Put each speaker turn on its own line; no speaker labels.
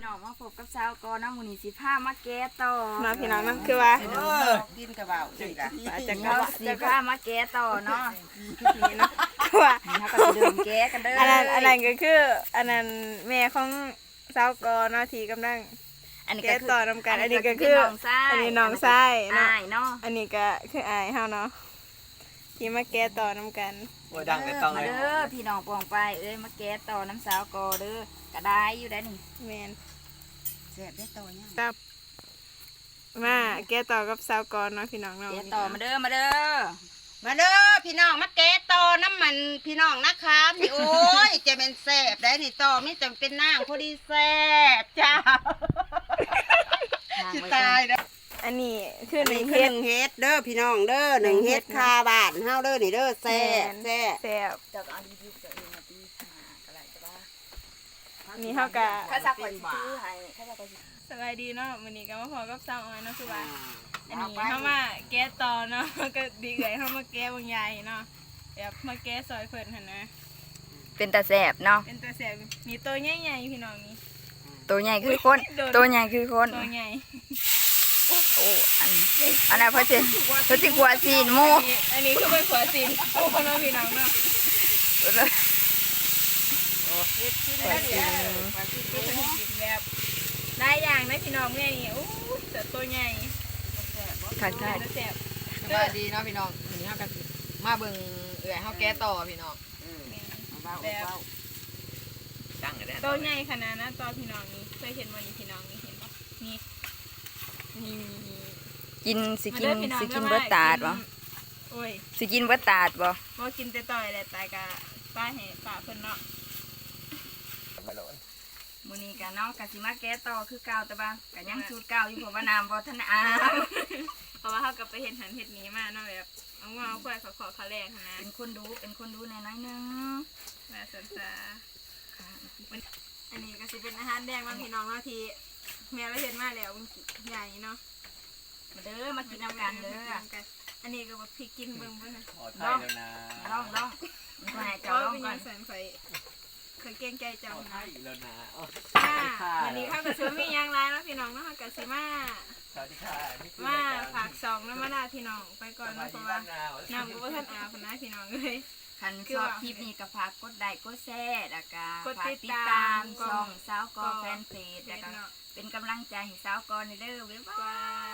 น้องมาพบกับสาวกอน้ำมูนีสิผ้ามาแก้ต่อ
น้องพี่น้องนั่นคือว่า
ดินกระเบาสิล่ะ
จาก
เราสิผ้ามาแก้ต่อเนาะ
นี้เนาะคือว่า
นี่เขาก็จะเดินแก้กันเด้อ
อันนั้นก็คืออันนั้นแม่ของสาวกอเนาะที่กำลัง
อันนี้
แก้
ก็คือ
ต่อนำกันอันนี้ก็คือ
น้องชาย
อันนี้น้องชายเนาะ
อายเนาะ
อันนี้ก็คืออายเฮาเนาะที่มาแก้ต่อนำกัน
ว่าดังในตอง
มา
เลย
เด้อพี่น้องปองไปมาแก้ต่อน้ำสาวกอเด้อก็ได้อยู่ได้นี่
แม่น
แซ่บได้ตัวเนี่ย
ครับมาแก้ต่อกับสาวกอเนาะพี่น้องเนาะ
แก้ต่อมาเด้อมาเด้อ
มาเด้อพี่น้องมาแกะต่อน้ำมันพี่น้องนะคะนี่โอ้ยจะเป็นแซ่บได้นี่ต่อไม่จำเป็นนางพอดีแซ่บจ้าสิตายแล้ว
อันนี้คือห
นี่
นึ่ง
คือ
เฮ็
ห
ด
นึ่งเฮ็ดเด้อพี่น้องเด้อหนึ่งเฮ็ดคาบานเฮาเด้อนี่เด้อแซ่บแซ่บ
แซ่บ
จากอันรีวิวตัวเองมาตีอะไรก็ได้
นี่เฮาก็
ข้าจะก่อนซื้อให้ข้าจะก่อน
สบายดีเนาะมื้อนี้ก็มาพอกับสาวออยเนาะคือว่า อันนี้เข้ามาแก้ต่อเนาะ ก็ดีเอ่ยเข้ามาแก้บางใหญ่เนาะแบบมาแก้ซอยเพิ่นหั่นนะ
เป็นตาแสบเนาะ
เป็นตัวแสบมีตัวใหญ่ๆพี่น้องนี่
ตัวใหญ่คือคนตัวใหญ่คือคน
ตัวใหญ่
โอ้อันนั้นเพราะสิกลัวซีนหมู
อันนี้คือเป็นขวดสินโอ้คนมาพี่น้องเนาะ
เฮ็ดกิน
ขว
ได้
ด
เด้
ซี
อน
ก็จะกินแบบได้อย่างนะพี่น้องแม่นี่โอ้แต่ตัวใหญ่
ค่ะ
เป็
ค่ะ
นตัวแสบ
สบายดีเนาะพี่น้องวันนี้เฮากันมาเบิ่งเอื่อยเฮาแก้ต่อพี่น้อง
แบบ
ตั้งกันได้
ตัวใหญ่ขนาดนั้นตัวพี่น้องนี่เคยเห็นวันนี้พี่น้องนี่เห็นปะนี่นี่
กินสิกิน
มาด้อพี่อง
สิกิน
มา
เบิดตาดบ่
โอ้ย
สิกินเบิดตาดบ่
บ่กินแต่ต่อยแหละตายกะป้าให้ป้าเพิ่นเนาะ
มื้อนี้ก็เนาะก็สิมาแก้ต่อคือเก่าแต่ว่าก็ยังสูตรเก่าอยู่เพราะว่าน้ำบ่ทันอาบ
เพราะว่าเขาก็ไปเห็นหันเห็ดนี้มาเนาะแบบเอาว่าเอาควายขอขาแรงหั้นนะ
เป็นคนดูในน้อยๆนึง
มาสนซาอันนี้ก็สิเป็นอาหารแดงบางพี่น้องเนาะที่แม่เราเห็นมาแล้วมันใหญ่เนาะ
มาเด้อมากินน้ำกันเด้อ
อันนี้ก็แบบพริกกินเบิ่งเบิ่ง
ขอไทยแล้วนะ
ลองมาให้
เพ
เจ้า
ราะ
ลอง
เป็น
ก่
ยั
อน
งแสนไฟเคยเก่งใจ
ข
เจ้า
อไท
นะ
ยแล้วนะ
วันนี้เขาก็ซื้อมียางไรเนาะพี่น้องเนาะเขาก็ซื้อมา
สวัสดีค่ะนี่คือ
มาฝากซองแล้วมาลาพี่น้องไปก่อน
สวั
นะ
ส
เพ
ดี
ราะ
บ้า
ว่าน
นา
น้ำก็บ่ทันอาบนะพี่น้องเลย
คันชอบคลิปนี้ก็ฝากกดไลค์กดแชร์แล้วก็
กด
ฝาก
ติ
ติ
ด
ด
ตา
ตาม มช่องสาวกอแฟนเพจ
เด็
แล้ว
ด
ก็
เนาะ
เป็นกำลังใจให้สาวกอในเด้อบ๊ายบาย
บาย